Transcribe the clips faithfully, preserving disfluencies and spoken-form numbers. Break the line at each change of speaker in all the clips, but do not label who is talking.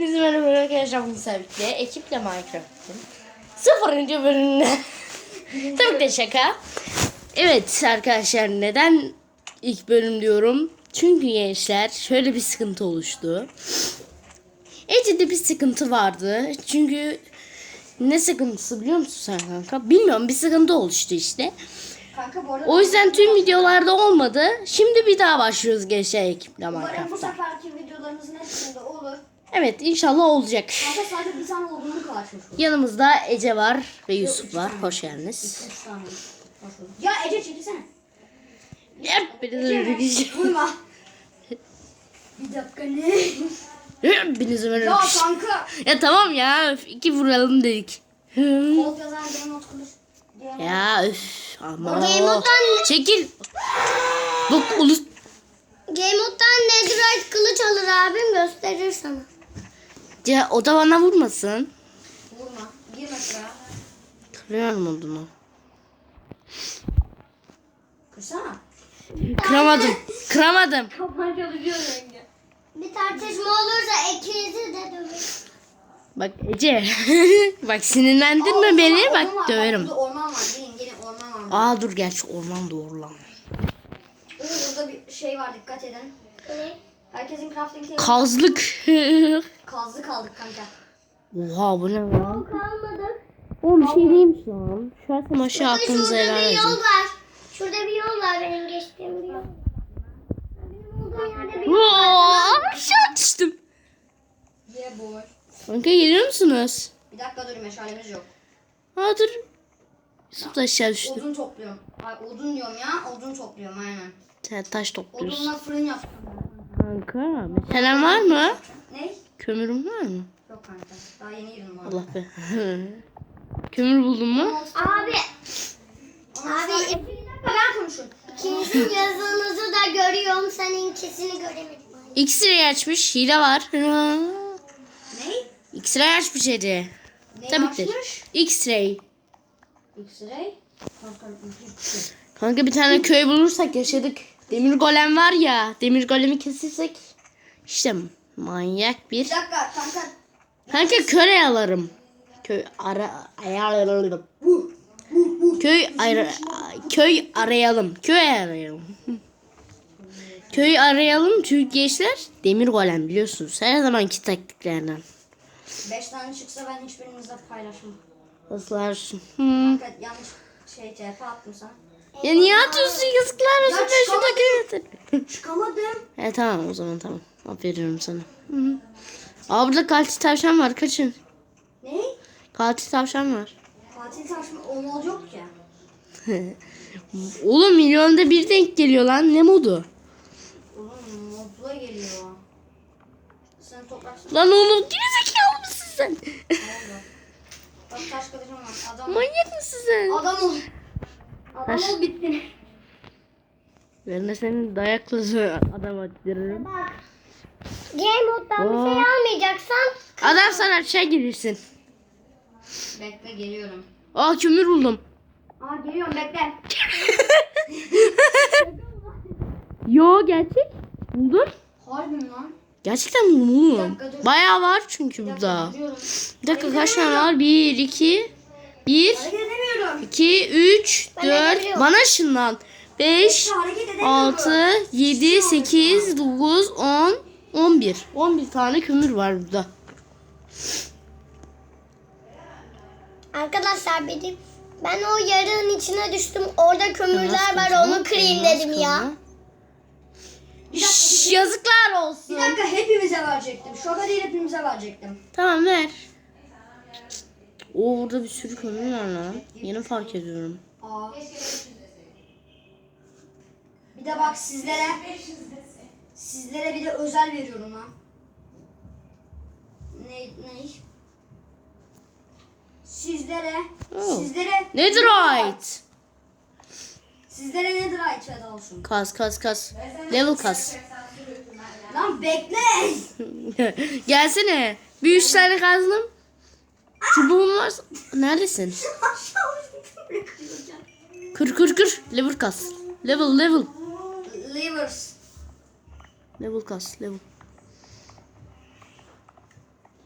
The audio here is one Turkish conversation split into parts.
Hepinize merhaba arkadaşlar. Bugün birlikte ekiple Minecraft'ın sıfırıncı bölümüne. Tabii ki de şaka. Evet arkadaşlar, neden ilk bölüm diyorum? Çünkü gençler şöyle bir sıkıntı oluştu. Ece'de bir sıkıntı vardı. Çünkü ne sıkıntısı biliyor musun sen kanka? Bilmiyorum, bir sıkıntı oluştu işte.
Kanka, bu arada
o yüzden tüm videolarda olmadı. Şimdi bir daha başlıyoruz gençler ekiple Minecraft'ta.
Umarım bu seferki videolarımızın hepsinde olur.
Evet, inşallah olacak.
Kanka sadece bir tane olduğunu karşılaşıyor.
Yanımızda Ece var ve Yusuf var. Hoş geldiniz.
Üç tane. Ya Ece çekilsene.
Hepinize merhaba.
Vurma. Bir dakika ne?
Hepinize
Ya
merhaba.
kanka.
Ya tamam ya. Öf, iki vuralım dedik.
Kod yazan game mode kılıç.
Ya üf. Ama.
Game mode'dan
Çekil. Bak ulus.
Game mode'dan netherite kılıç alır abim, gösterir sana.
Ya o da bana vurmasın.
Vurma. Girme şuraya.
Kırıyorum odunu.
Kırsana.
Kıramadım. Kıramadım.
Kapan çalışıyor renge.
Bir tartışma olursa ikinizi de dövür.
Bak Ece. Bak sinirlendirme beni. Bak döverim.
Burada orman var. Gelin gelin orman var.
Aa dur, gerçi orman doğru lan.
Oo, burada bir şey var, dikkat edin.
Ne?
Herkesin crafting table.
Kazlık.
Kazdı kaldık kanka.
Oha, bu ne lan?
Kalmadık.
Oğlum bir şey değilmiş lan. Şu an aşağı aklınıza
Şurada
helal
bir yol
edin.
var. Şurada bir yol var, benim geçtiğim bir yol. Benim olduğum yerde bir yol var.
Oo, aşağı düştüm.
Yeah boy.
Kanka geliyor musunuz?
Bir dakika dur, meşalemiz yok.
Aa dur. Yusuf da aşağı düştü.
Odun topluyorum. Ay, odun diyorum ya. Odun topluyorum aynen.
Sen taş topluyorsun.
Odunla fırın yaptım.
Kanka meşalen var mı?
Ne?
Kömürün var mı?
Yok kanka. Daha yeni girdim bu arada.
Allah be. Kömür buldun mu?
Abi,
Abi
abi
ben konuşuyorum.
ikinizin yazınızı da görüyorum, seninkisini göremedim.
X-ray açmış. Hile var.
Ne?
X-ray açmış Ece.
Ne
Tabii ki.
açmış?
X-ray.
X-ray. Kanka bir şey.
Kanka bir tane köy bulursak yaşadık. Demir golem var ya. Demir golemi kesirsek. İşte manyak bir.
Bir dakika kanka.
Kanka köy alırım. Köy ara ayarlayalım. Köy ara, köy arayalım. Köy arayalım. Köy arayalım çünkü gençler demir golem biliyorsunuz. Her zamanki taktiklerden.
Beş tane çıksa ben hiçbirinizle paylaşmam.
Islarsın. Hmm.
Kanka yanlış şey C P attım sana.
Ya niye atıyorsun, yazıklar olsun,
Ya
ben şurada
çıkamadım.
kıyafet.
Çıkamadım.
E tamam o zaman, tamam. Aferin sana. Hı -hı. Aa burada katil tavşan var, kaçın.
Ne?
Katil tavşan var.
Katil taşma o mod yok ya.
Oğlum milyonda bir denk geliyor lan, ne modu?
Oğlum modla geliyor. Sen topraksın.
Lan oğlum gerizekalı mısın sen?
Ne oldu? Bak taş kılıcım var. Adam
Manyak mısın sen?
Adam ol. Adam
Taş-
ol bitti.
Ben de senin dayakla adam attırırım.
Game mode'dan bir şey almayacaksan
Adam sana aşağı gelirsin.
Bekle geliyorum.
Aa kömür buldum.
Aa geliyorum bekle.
Yo gerçek. Buldum.
Harbi mi lan?
Gerçekten buldum oğlum.
dakika, dur.
Bayağı var çünkü
Bir dakika
burada.
gidiyorum.
Bir dakika kaç tane var? Bir, iki, bir,
Hareket edemiyorum.
iki, üç,
Ben
dört.
edebiliyorum.
Bana ışınlan. Beş,
Hareket edemiyorum.
altı, yedi, sekiz, dokuz, on, on bir. On bir tane kömür var burada.
arkadaşlar benim ben o yarığın içine düştüm. Orada kömürler
Elmas
var,
kazma,
onu kırayım
elmas
dedim ya.
kazma. Şşş, yazıklar olsun.
Bir dakika hepimize verecektim. Şoka değil hepimize verecektim.
Tamam ver. Oo burada bir sürü kömür var lan. Yeni fark ediyorum.
Aa. Bir de bak sizlere sizlere bir de özel veriyorum ha. Ne ne? Sizlere
Oh.
sizlere
Netherite.
Sizlere netherite feda olsun.
Kas kas kas. Level kas.
Lan bekle.
Gelsene. Bir üç tane kazdım. Çubuğum var. Neredesin? Kır kır kır. Level kas. Level level.
Livers.
Level kas level.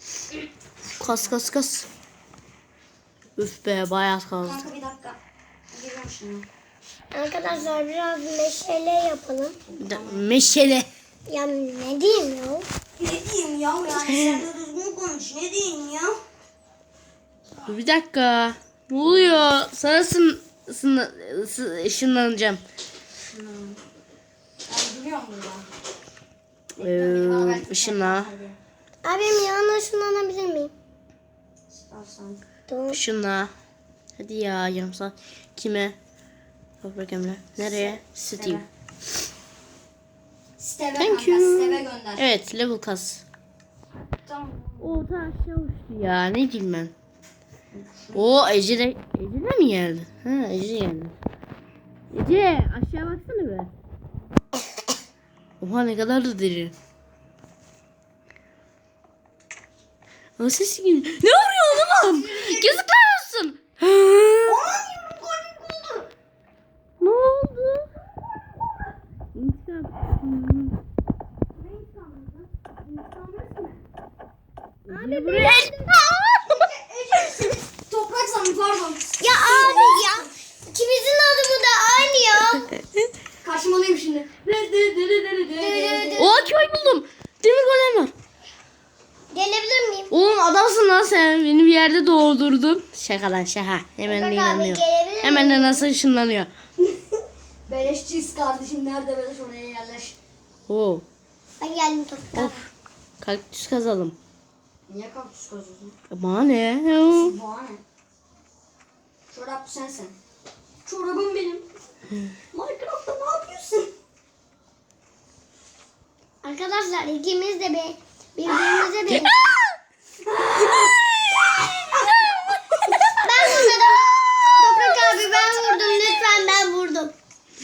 Kas kas kas. Üf be bayağı kazdı.
Kanka bir dakika. Geliyorum şimdi.
Arkadaşlar biraz meşale yapalım.
Bir de meşale.
Ya ne diyeyim ya?
Ne diyeyim ya? Yani sen de düzgün konuş. Ne diyeyim ya?
Dur bir dakika. Ne oluyor? Sana sın, sın, sı- ışınlanacağım.
Ben duruyorum burada.
Ee, ışınla.
Abim yanına ışınlanabilir miyim?
İstersen.
Tamam.
Işınla. Hadi ya yarım saat. Kime? Toprak Emre. Nereye? Steam.
Steve
Thank
kanka.
you.
Steve gönder.
Evet level kas.
Tamam.
O da aşağı uçtu ya ne diyeyim ben. O Ece de, Ece de mi geldi? Ha Ece geldi. Ece aşağı baksana be. Oha ne kadar da derin. O ses gibi. Ne vuruyor oğlum? Yazıklar olsun. Ne oldu? İntikam. Abi buraya.
Toprak sandım pardon.
Ya abi ya. İkimizin adımı da aynı ya.
Karşımalıyım şimdi.
Oha köy buldum. Demir golem var.
Gelebilir miyim?
Oğlum adamsın lan sen. Beni bir yerde doğurdurdun. Şaka lan şaka. Hemen de
Bak abi,
inanıyor.
gelebilir
Hemen de nasıl ışınlanıyor.
Beleşçiyiz kardeşim. Nerede beleş oraya yerleş.
Oo.
Ben geldim toprak.
Of. Kaktüs kazalım.
Niye kaktüs kazıyorsun?
Bana ne?
Bana ne? Çorap sensin. Çorabım benim. Minecraft'ta ne yapıyorsun?
Arkadaşlar ikimiz de be, birbirimize de. Ben vurmadım. Toprak abi ben vurdum. Lütfen ben vurdum.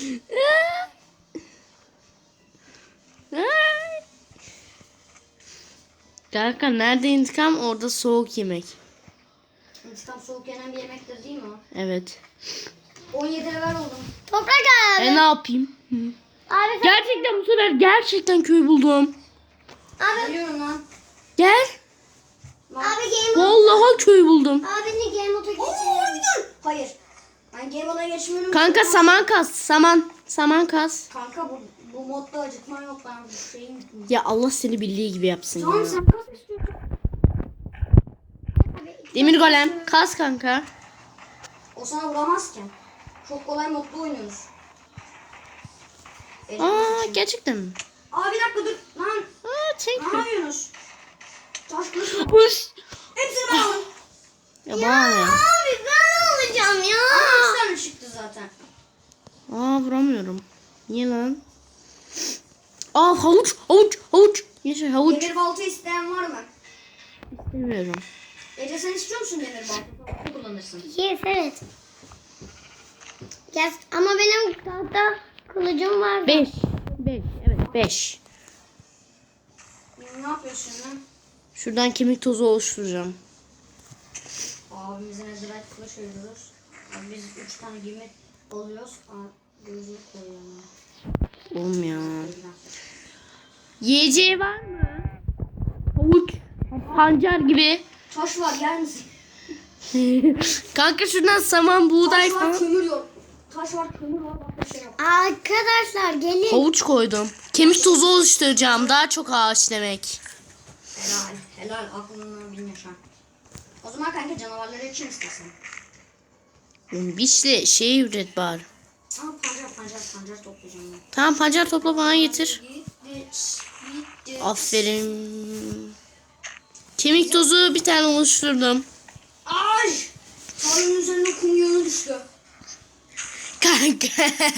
Kanka nerede intikam orada soğuk yemek.
İntikam soğuk yenen bir yemektir değil mi o?
Evet.
on yedi level oldum.
Toprak abi.
E ne yapayım? Hı.
Abi sen...
Gerçekten bu sefer gerçekten köy buldum.
Abi,
Geliyorum lan.
Gel.
Lan.
abi game mode.
Vallahi köy buldum.
Abi ne game mode'a
Oo,
geçelim.
bir dur. Hayır. Ben game mode'a geçmiyorum.
Kanka saman kas. Saman. Saman kas.
Kanka bu, bu modda acıtma yok. Ben bu şeyim.
Ya Allah seni bildiği gibi yapsın
Tamam
ya.
sen kas istiyorsun.
Demir golem. Kas kanka.
O sana vuramaz ki. Çok kolay modda oynuyoruz. Benim
Aa
için.
gerçekten mi?
Aa bir dakika dur. Lan
Aa
ne
thank you.
yapıyorsunuz? Taş kılıç mı?
Uş.
Hepsini ben aldım.
Ya bana ne?
Abi ben olacağım ya.
Aa üç tane çıktı zaten.
Aa vuramıyorum. Niye lan? Aa havuç havuç havuç. Yaşa havuç.
Demir balta isteyen var mı?
İstemiyorum.
Ece sen istiyor musun demir balta? Balta kullanırsın.
Yes evet. Yes, ama benim tahta kılıcım var.
Beş. Beş. Evet beş.
Ne yapıyorsun lan?
Şuradan kemik tozu oluşturacağım.
Abimize nezirayet kılıç veriyoruz. Abi biz üç tane gemi alıyoruz. Aa, gözlük koyuyorum.
Oğlum ya. Yiyeceği var mı? Havuç. Pancar gibi.
Taş var yer misin?
Kanka şuradan saman, buğday
Taş var
falan.
kömür yok. Taş var kömür var bak bir şey yok.
Arkadaşlar gelin.
Havuç koydum. Kemik tozu oluşturacağım. Daha çok ağaç demek.
Helal. Helal aklından bin yaşa. O zaman kanka canavarları için istesin.
Bişli şey üret bari.
Aa pancar pancar pancar toplayacağım ben.
Tamam pancar topla bana getir.
Gitti. Gitti.
Aferin. Kemik tozu bir tane oluşturdum.
Ay! Tarlanın üzerine kum yığını düştü.
Kanka.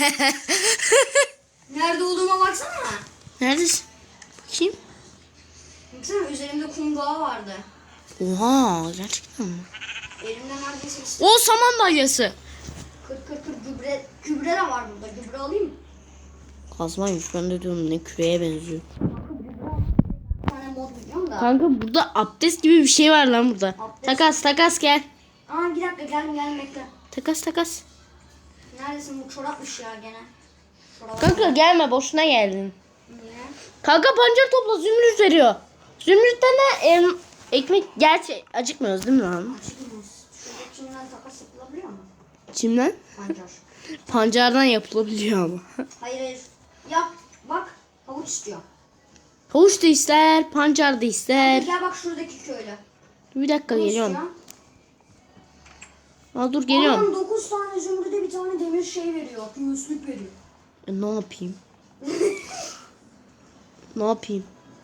Nerede olduğuma baksana.
Neredesin? Bakayım.
Baksana üzerimde kum dağı vardı.
Oha gerçekten mi?
Elimde neredeyse işte
O saman balyası.
kır kır kır gübre, gübre de var burada. Gübre alayım mı?
Kazmaymış ben de diyorum ne küreye benziyor.
Bir tane mod biliyorum da.
Kanka burada abdest gibi bir şey var lan burada.
Abdest.
Takas takas gel.
Aa bir dakika geldim geldim bekle.
Takas takas.
Neredesin bu çorapmış ya gene. Çorap.
Kanka gelme boşuna geldin.
Niye?
Kanka pancar topla zümrüt veriyor. Zümrütten de em, Ekmek gerçi acıkmıyoruz değil mi lan?
Açıkmaz. Şurada çimden takas yapılabiliyor mu?
Çimden?
Pancar.
Pancardan yapılabiliyor ama.
Hayır hayır. Yap. Bak. Havuç istiyor.
Havuç da ister, pancar da ister.
Gel bak şuradaki köylü.
Bir dakika
Ne
geliyorum.
istiyor?
Aa, dur geliyorum.
Adam dokuz tane zümrüde bir tane demir şey veriyor. Göğüslük veriyor.
E, ne yapayım? Ne yapayım?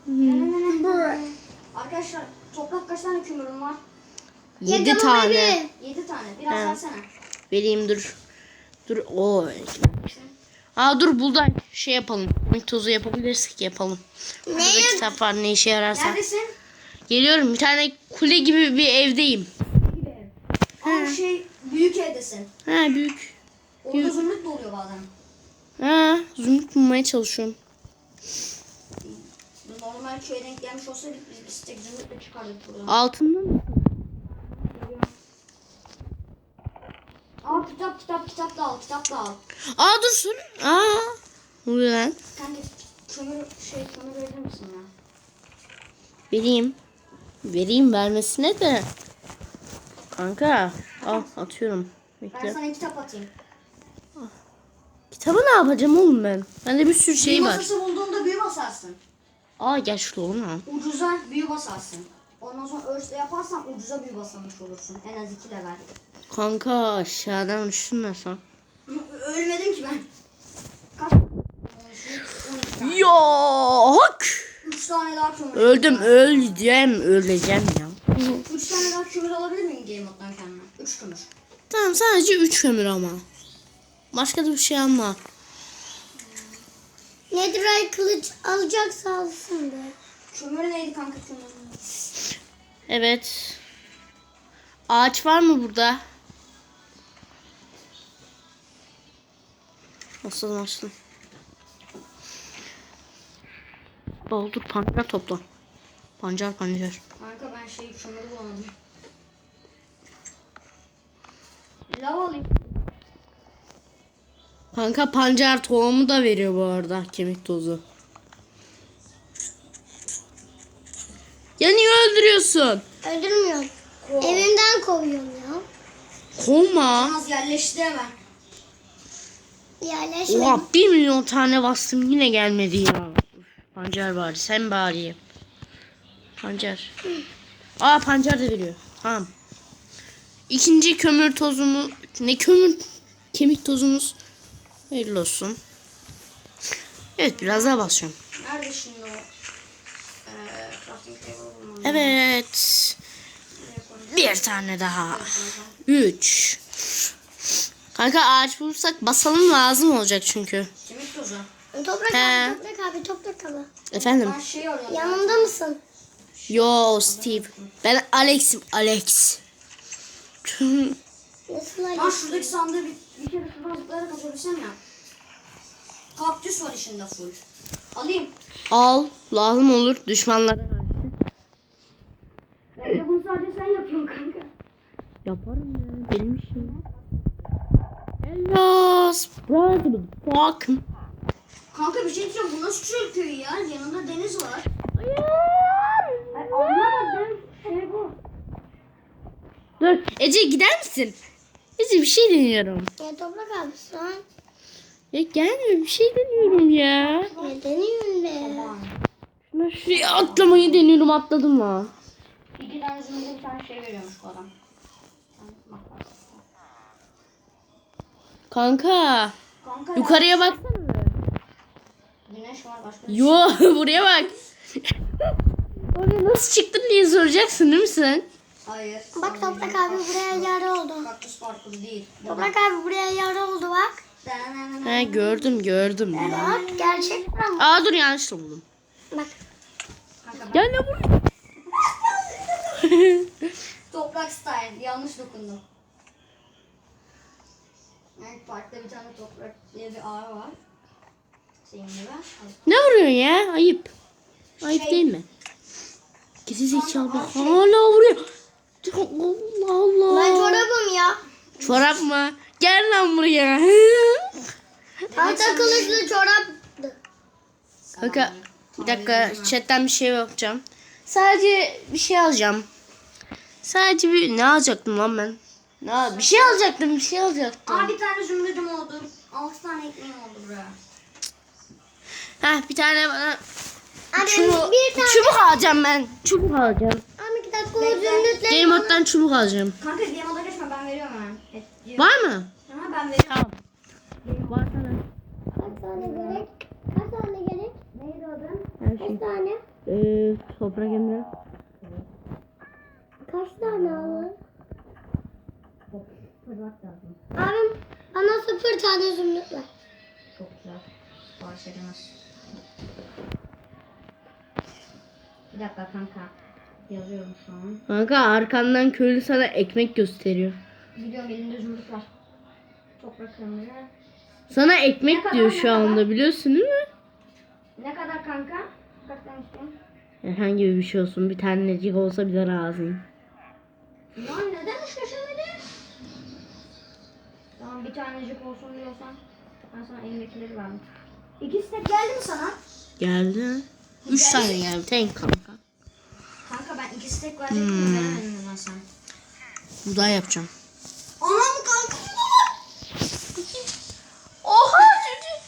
Arkadaşlar toprak kaç tane kömürüm var?
Yedi
Yedi
tane.
Yedi tane. Biraz
He.
versene.
Vereyim dur. Dur. Oo. Aa dur buradan şey yapalım. Ekmek tozu yapabilirsek yapalım. Burada kitap var ne işe yararsa.
Neredesin?
Geliyorum. Bir tane kule gibi bir evdeyim.
Gibi ev. Aa şey büyük evdesin.
Ha büyük.
Orada zümrüt de oluyor bazen.
Ha zümrüt bulmaya çalışıyorum.
Normal köye denk gelmiş olsaydık biz bir tek zümrütle çıkardık buradan.
Altından mı?
Aa kitap kitap kitap da al kitap da al.
Aa dur dur. Aa. Ne oluyor lan?
Sen de kömür şey kömür verir misin ya?
Vereyim. Vereyim vermesine de. Kanka. Al atıyorum.
Ben
Bekle.
sana kitap atayım.
Kitabı ne yapacağım oğlum ben? Bende bir sürü şey
büyü
var.
masası bulduğunda büyü basarsın.
Aa gel şurada oğlum ha.
Ucuza büyü basarsın. Ondan sonra örsle yaparsan ucuza büyü basamış olursun. En az iki level.
Kanka aşağıdan üşünmesen.
Ölmedim ki ben. Kaç? on iki tane.
Yok.
Üç tane daha kömür.
Öldüm öleceğim öleceğim ya.
Üç tane daha kömür alabilir miyim game mode'dan kendime? Üç kömür.
Tamam sadece üç kömür ama. Başka da bir şey alma.
Netherite kılıç alacaksa alsın be.
Kömür neydi kanka kömür?
Evet. Ağaç var mı burada? Açtım açtım. Doldur pancar topla. Pancar pancar.
Kanka ben şey kömürü bulamadım. Lav alayım.
Kanka pancar tohumu da veriyor bu arada kemik tozu. Ya niye öldürüyorsun?
Öldürmüyorum.
Kov.
Evimden kovuyorum ya.
Kovma.
Az yerleşti hemen.
Yerleşmedim.
Oha bir milyon tane bastım yine gelmedi ya. Pancar bari sen bari. Pancar. Aa pancar da veriyor. Tamam. İkinci kömür tozumu ne kömür kemik tozumuz hayırlı olsun. Evet biraz daha basıyorum.
Nerede şimdi o? Eee crafting table bulmam.
Evet. Bir tane daha. Üç. Kanka ağaç bulursak basalım lazım olacak çünkü.
Kemik tozu.
Toprak
He.
abi, toprak abi, toprak abi.
Efendim?
Ben şey arıyorum.
Yanımda mısın?
Yo Steve. Ben Alex'im Alex.
Nasıl
Lan
acı?
şuradaki sandığı bir, bir kere şuradan zıplayarak açabilsem ya. Kaktüs var içinde full. Alayım.
Al lazım olur düşmanlara.
Belki bunu sadece sen yapıyorsun kanka.
Yaparım ya benim işim. Hello brother fuck.
Kanka bir şey diyeceğim. Bu nasıl çöl köyü ya? Yanında deniz var.
Hayır.
Ay, anlamadım. Şey bu.
Dur Ece gider misin? Ece bir şey deniyorum.
Ya toprak abi sen.
Ya gelme bir şey deniyorum ya.
Ne deniyorsun be?
Aman.
Şuna şuraya atlamayı deniyorum atladım mı?
İki tane zümrüde bir tane şey veriyormuş bu adam. Bak, bak, bak.
Kanka
Kanka ya,
yukarıya baksana.
güneş var başka bir şey.
Yo buraya bak. Oraya nasıl çıktın diye soracaksın değil mi sen?
Hayır.
Bak toprak abi buraya yara oldu.
Kaktüs parkuru değil.
Toprak abi buraya yara oldu bak.
He gördüm gördüm.
Bak gerçekten mi?
Aa dur yanlışla buldum.
Bak.
Kanka ben
Gel ne buraya.
toprak style. Yanlış dokundum. Yani parkta bir tane toprak diye bir ağ var. Senin gibi.
Ne vuruyorsun ya? Ayıp. Ayıp
Şey-
değil mi? Gezi zekalı bak hala vuruyor. Allah Allah.
Ben çorabım ya.
Çorap mı? Gel lan buraya.
Tahta kılıçlı çoraptı.
Kanka bir dakika chatten bir şey yapacağım. Sadece bir şey alacağım. Sadece bir ne alacaktım lan ben? Ne bir şey alacaktım, bir şey alacaktım.
Aa bir tane zümrüdüm oldu. Altı tane ekmeğim oldu buraya.
Heh, bir tane bana
Abi
çubuk,
bir tane.
çubuk alacağım ben. Çubuk alacağım.
Abi iki dakika o
Bekle.
zümrütleri.
Game mode'dan çubuk alacağım.
Kanka game moda geçme ben veriyorum hemen. Et, diyor.
Var mı?
Ha, ben veriyorum.
Tamam. Var sana.
Kaç tane gerek? Kaç tane gerek?
Neydi adın?
Her
Kaç
şey.
tane?
Ee, toprak emre.
Kaç tane alın?
Fırlat lazım.
Abim bana sıfır tane zümrüt ver.
Çok güzel. Sipariş edemez. Bir dakika kanka. Yazıyorum şu an.
Kanka arkandan köylü sana ekmek gösteriyor.
Biliyorum elimde zümrüt var. Toprak kömürü.
Sana ekmek
Ne kadar,
diyor
ne
şu anda
kadar?
biliyorsun değil mi?
Ne kadar kanka? Kaç tane istiyorsun?
Herhangi bir şey olsun. Bir tanecik olsa bile razıyım.
Lan neden hiç düşünmedin? Tamam bir tanecik olsun diyorsan ben sana elimdekileri verdim. İkisi de geldi mi sana?
Geldi. Üç tane geldi. Tek kanka.
Kanka ben ikisi tek verecektim
Hmm.
de veremedim ben sana.
Buğday yapacağım.
Anam kanka bu da var.
Oha çocuk.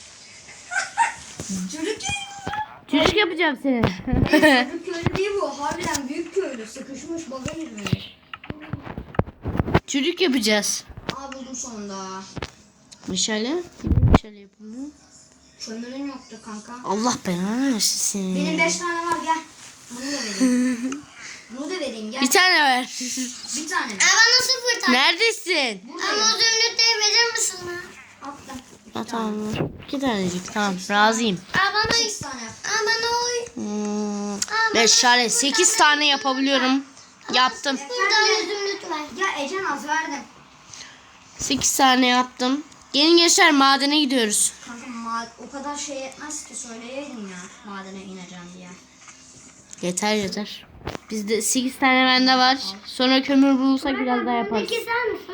Çocuk
Çocuk yapacağım seni.
Çocuk köylü değil bu. Harbiden büyük köylü. Sıkışmış baga girmiş.
Çocuk yapacağız.
Aa buldum sonunda.
Meşale. Meşale yapılıyor.
Kömürün yoktu kanka.
Allah belanı versin seni.
Benim beş tane var gel. Bunu da vereyim. Bunu da vereyim gel.
Bir tane ver.
Bir tane.
Abi bana sıfır tane.
Neredesin?
Ama o zümrütleri verir misin bana?
Attım.
Ha, tamam. İki tanecik tamam razıyım.
Abi bana
Sekiz tane yap.
Abi bana oy.
Hmm, meşale sekiz tane yapabiliyorum. Yaptım.
Sıfır tane zümrüt ver.
Ya Ecen az verdim.
sekiz tane yaptım. Gelin gençler madene gidiyoruz.
Kanka ma- o kadar şey etmez ki söyleyeydin ya madene ineceğim diye.
Yeter yeter. Bizde sekiz tane bende var. Sonra kömür bulursak biraz daha yaparız.
Peki sen misin?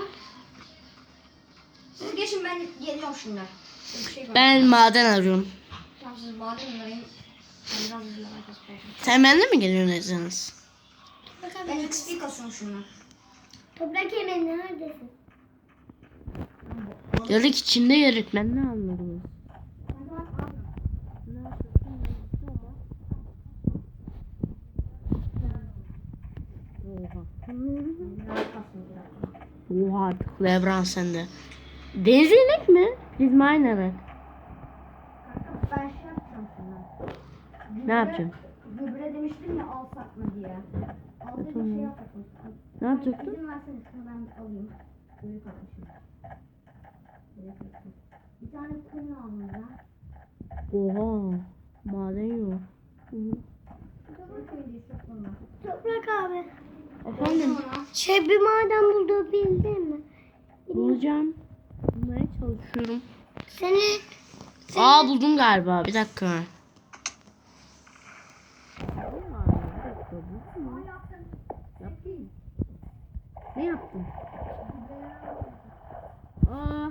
Siz geçin ben geliyorum şimdi. Bir şey var.
Ben maden arıyorum.
Tamam siz maden arayın. Ben biraz hızlı arkası koyacağım.
Sen bende mi geliyorsun Ezanız?
Ben X P kasıyorum şunu.
Toprak yemeği neredesin?
Yarık içinde yarık. Ben ne anladım? Oha artık Lebron sende. Deniz inek mi? Biz mine evet.
Kanka ben şey yapacağım şimdi.
Ne yapacaksın?
Gübre demiştim ya alsak mı diye. Aldığı bir şey yapacaktım.
Ne yapacaktın?
İzin versene şunu ben alayım. Büyük atmışım. Bir tane kum aldım ben.
Oha. Maden yok.
Çok iyi çok bunlar.
Toprak abi.
Efendim?
Şey bir maden bulduğu bildin mi?
Bulacağım. Bulmaya çalışıyorum.
Seni
Aa buldum galiba. Bir dakika. Ne yaptın? Aa.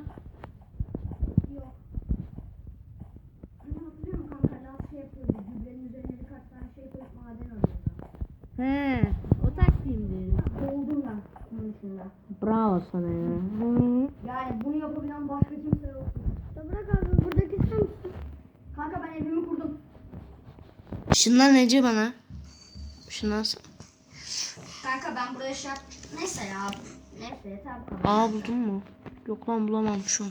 Hani hatırlıyor musun kanka laf şey yapıyordu. Gübrenin üzerine birkaç tane şey koyup maden alıyordu.
He. O taktiğimdi.
Doldum ben bunun içinde.
Bravo sana ya. Hı.
Yani bunu yapabilen başka kimse yok.
Toprak abi buradaki sen misin?
Kanka ben evimi kurdum.
Şundan nece bana? Şundan.
Kanka ben buraya şey yap... Neyse ya. Neyse yeter bu kadar.
Aa buldun mu? Yok lan bulamamışım.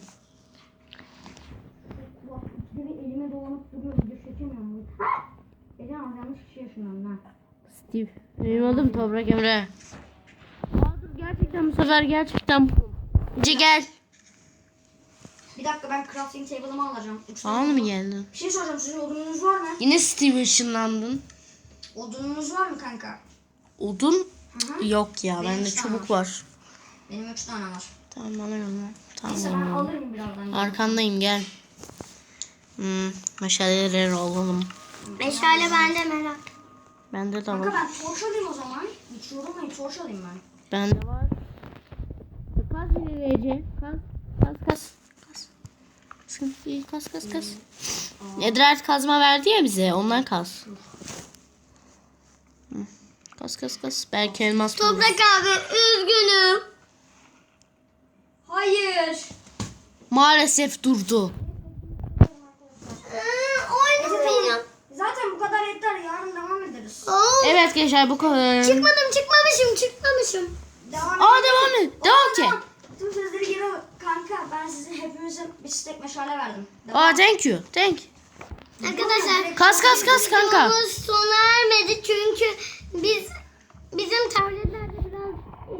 Bak ikide bir elime dolanıp duruyor. Video çekemiyorum. Ece az yanlış kişi yaşıyorum ben.
Steve. Benim adım Toprak Emre. Aa dur gerçekten bu sefer gerçekten buldum. Ece gel.
Bir dakika ben crafting table'ımı alacağım. Üç tane
Bana mı
odun-
geldin?
Bir şey soracağım. Sizin odununuz var mı?
Yine Steve ışınlandın.
Odununuz var mı kanka?
Odun?
Hı hı.
Yok ya
Benim
bende
üç tane
çubuk var.
Benim üç tane var.
Tamam bana yolla.
Neyse ben
Tamam.
alırım birazdan.
Arkandayım gel. Hmm, meşaleleri alalım.
Meşale bende merak.
Bende de
Kanka
var.
ben torç alayım o zaman. Hiç yorulmayın torç alayım ben.
Bende var. Kaz yine Ece. Kaz. Kaz kaz. Kaz. Sıkıntı değil. Kaz kaz kaz. Edrert kazma verdi ya bize. Ondan kaz. Hı. Kas kas kas. Belki elmas buluruz.
Toprak abi üzgünüm.
Hayır.
Maalesef durdu.
Oynamayacağım.
Zaten bu kadar yeter. Yarın devam ederiz.
Oo,
Evet gençler bu kadar.
Çıkmadım çıkmamışım çıkmamışım.
Devam
Aa
edelim.
devam et. Devam ki.
Tüm sözleri geri al. Kanka ben size hepimizin bir stek meşale verdim. Devam.
Aa thank you. Thank.
Arkadaşlar
Kas kas kas kanka.
videomuz sona ermedi çünkü biz bizim tabletlerde biraz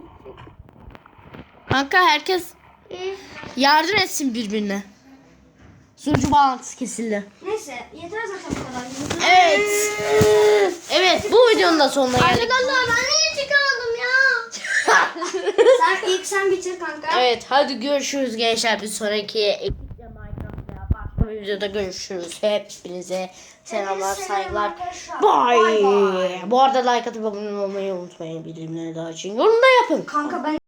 Kanka herkes
e,
yardım etsin birbirine. Sunucu bağlantısı kesildi.
Neyse yeter zaten bu kadar.
Evet. Evet bu videonun da sonuna geldik.
arkadaşlar ben niye çıkardım ya?
Sen ilk sen bitir kanka.
Evet hadi görüşürüz gençler bir sonraki ekiple Minecraft'ta başka bir videoda görüşürüz. Hepinize selamlar
Hepinize selam
saygılar.
arkadaşlar.
Bye.
Bye bye.
Bu arada like atıp abone olmayı unutmayın bildirimleri daha için. Yorum da yapın.
Kanka ben